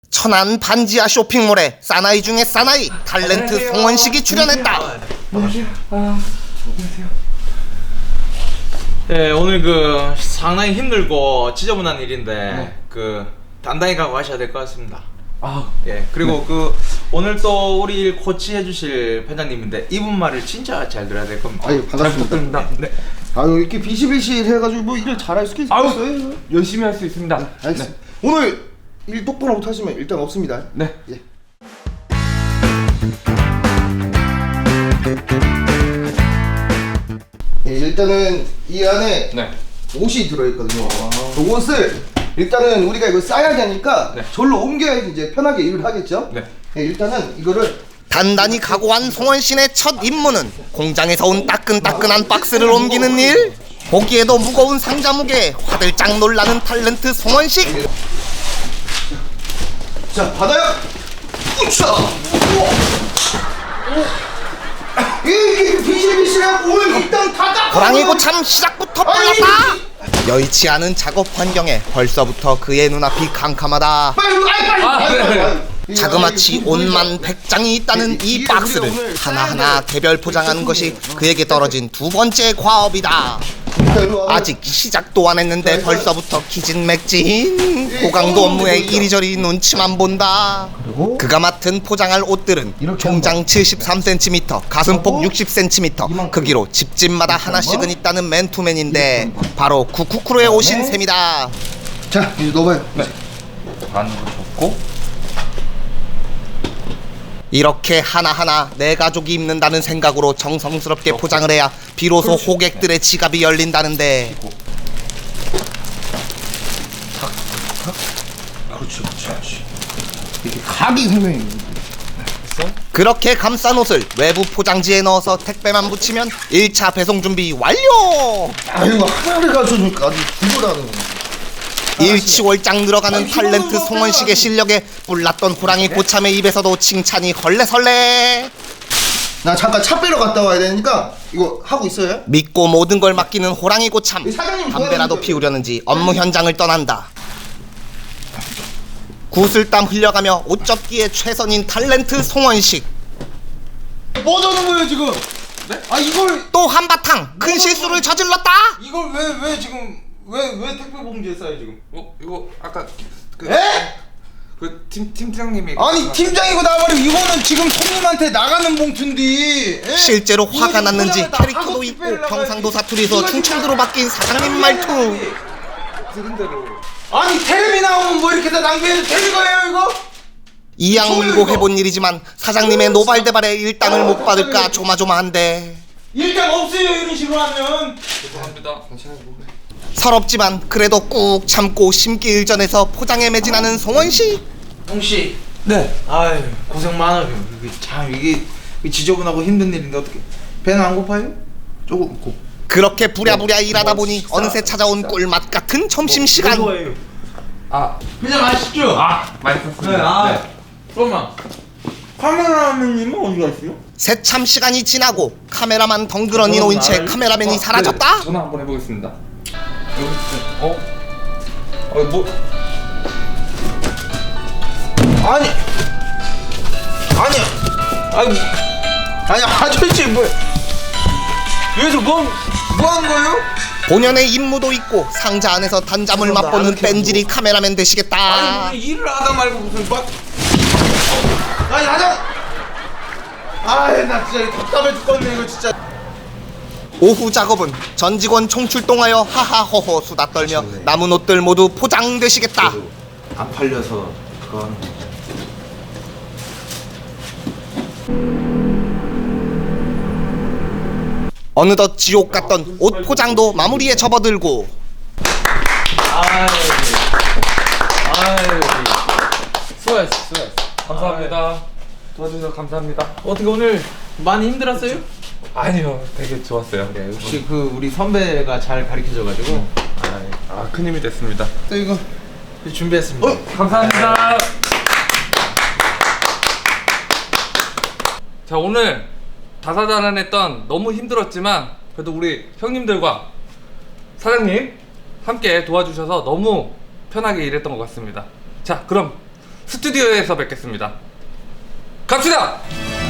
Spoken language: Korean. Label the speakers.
Speaker 1: 천안 반지하 쇼핑몰에 사나이 중에 사나이 탤런트 송원식이 출연했다.
Speaker 2: 네, 오늘 상당히 힘들고 지저분한 일인데 단단히 각오 하셔야 될 것 같습니다. 예, 그리고 오늘 또 우리 일 코치해 주실 편장님인데 이분 말을 진짜 잘 들어야 될 겁니다.
Speaker 3: 아유, 반갑습니다.
Speaker 2: 네.
Speaker 3: 아유, 이렇게 비실비실 해가지고 뭐 일을 잘할 수 있어요?
Speaker 4: 열심히 할 수 있습니다.
Speaker 3: 알겠습니다. 오늘 일 똑바로 못하시면 일단 없습니다.
Speaker 4: 네.
Speaker 3: 예. 예, 일단은 이 안에
Speaker 4: 네.
Speaker 3: 옷이 들어있거든요. 그 옷을 일단은 우리가 이거 싸야 되니까
Speaker 4: 네.
Speaker 3: 절로 옮겨야지 이제 편하게 일을 하겠죠?
Speaker 4: 네.
Speaker 3: 예, 일단은 이거를
Speaker 1: 단단히 각오한 송원신의 첫 임무는 공장에서 온 따끈따끈한 박스를 옮기는 일. 보기에도 무거운 상자 무게에 화들짝 놀라는 탤런트 송원식.
Speaker 3: 자, 받아요! 우차! 이게 비실비실하고 오늘 일단 닫아!
Speaker 1: 호랑이 고참 시작부터 빨랐다. 여의치 않은 작업 환경에 벌써부터 그의 눈앞이 캄캄하다.
Speaker 3: 빨리!
Speaker 1: 자그마치 옷만 100장이 있다는 이 박스를 하나하나 개별 포장하는 것이 그에게 떨어진 두 번째 과업이다. 아직 시작도 안 했는데 벌써부터 기진맥진. 고강도 업무에 이리저리 눈치만 본다. 그가 맡은 포장할 옷들은 총장 73cm, 가슴폭 60cm, 크기로 집집마다 하나씩은 있다는 맨투맨인데 바로 쿠쿠쿠로에 오신 셈이다.
Speaker 3: 자, 이제 넣어봐요.
Speaker 4: 네. 반으로 접고.
Speaker 1: 이렇게 하나하나 내 가족이 입는다는 생각으로 정성스럽게 포장을 해야 비로소 호객들의 지갑이 열린다는데
Speaker 3: 그렇지. 이렇게 각이 설명이.
Speaker 1: 그렇게 감싼 옷을 외부 포장지에 넣어서 택배만 붙이면 1차 배송 준비 완료!
Speaker 3: 아이고, 하나를 가져주니까 아주 구조라는 거.
Speaker 1: 일치월장 늘어가는 탤런트 송원식의 실력에 뿔났던 호랑이 고참의 입에서도 칭찬이 헐레설레.
Speaker 3: 나 잠깐 차 빼러 갔다 와야 되니까 이거 하고 있어요?
Speaker 1: 믿고 모든 걸 맡기는 호랑이 고참.
Speaker 3: 사장님
Speaker 1: 담배라도
Speaker 3: 도와주세요.
Speaker 1: 피우려는지 업무 현장을 떠난다. 구슬땀 흘려가며 옷 접기에 최선인 탤런트 송원식.
Speaker 3: 뭐 하는 거예요 지금?
Speaker 4: 네?
Speaker 3: 아 이걸
Speaker 1: 또 한바탕 큰 실수를 저질렀다.
Speaker 2: 이걸 왜 지금 왜 택배 봉지에 싸요 지금?
Speaker 4: 이거 아까
Speaker 3: 에?
Speaker 4: 팀장님이
Speaker 3: 아니 팀장이고 나발이고 이거는 지금 손님한테 나가는 봉투인데 에?
Speaker 1: 실제로 화가
Speaker 3: 이거
Speaker 1: 났는지
Speaker 3: 뭐냐면 나
Speaker 1: 캐릭터도
Speaker 3: 하고
Speaker 1: 있고
Speaker 3: 택배를
Speaker 1: 경상도
Speaker 3: 나가야지.
Speaker 1: 사투리에서
Speaker 3: 이거
Speaker 1: 충청도로
Speaker 3: 진짜-
Speaker 1: 바뀐 사장님 말투.
Speaker 4: 들은 대로.
Speaker 3: 아니 텔레비 나오면 뭐 이렇게 다 낭비해도 되는 거예요 이거?
Speaker 1: 이양 물고 해본 일이지만 사장님의 노발대발에 일당을 못 받을까 조마조마한데
Speaker 3: 일당 없어요 이런 식으로 하면.
Speaker 4: 죄송합니다.
Speaker 1: 서럽지만 그래도 꾹 참고 심기일전에서 포장에 매진하는 송원식.
Speaker 2: 홍씨.
Speaker 4: 네.
Speaker 2: 아유 고생 많아요. 이게 지저분하고 힘든 일인데 어떻게 배는 안 고파요? 조금
Speaker 1: 그렇게 부랴부랴 일하다 보니 어느새 찾아온 꿀맛 같은 점심시간.
Speaker 2: 좋아해요.
Speaker 4: 그냥 맛있죠? 맛있었습니다.
Speaker 2: 잠깐만. 카메라맨님은 어디 갔어요?
Speaker 1: 새참 시간이 지나고 카메라만 덩그러니 놓인 채 카메라맨이 사라졌다.
Speaker 4: 네, 전화 한번 해보겠습니다. 뭐?
Speaker 3: 아니 아저씨 뭐 여기서 뭐 하는 거예요?
Speaker 1: 본연의 임무도 있고 상자 안에서 단잠을 맛보는 뺀질이 카메라맨 되시겠다.
Speaker 2: 일을 하다 말고 무슨
Speaker 3: 아니 하자. 아이 나 진짜 답답해 죽겠네 이거 진짜.
Speaker 1: 오후 작업은 전 직원 총출동하여 하하호호 수다 떨며 남은 옷들 모두 포장되시겠다.
Speaker 2: 안 팔려서 그거 하는 거.
Speaker 1: 어느덧 지옥 같던 옷 포장도 마무리에 접어들고
Speaker 4: 수고했어. 감사합니다. 도와주셔서 감사합니다.
Speaker 2: 어떻게 오늘 많이 힘들었어요?
Speaker 4: 아니요, 되게 좋았어요.
Speaker 2: 역시 우리 선배가 잘 가르쳐줘가지고
Speaker 4: 큰 힘이 됐습니다.
Speaker 3: 또 이거
Speaker 2: 준비했습니다.
Speaker 4: 감사합니다. 자, 오늘 다사다난했던 너무 힘들었지만 그래도 우리 형님들과 사장님 함께 도와주셔서 너무 편하게 일했던 것 같습니다. 자, 그럼 스튜디오에서 뵙겠습니다. 갑시다.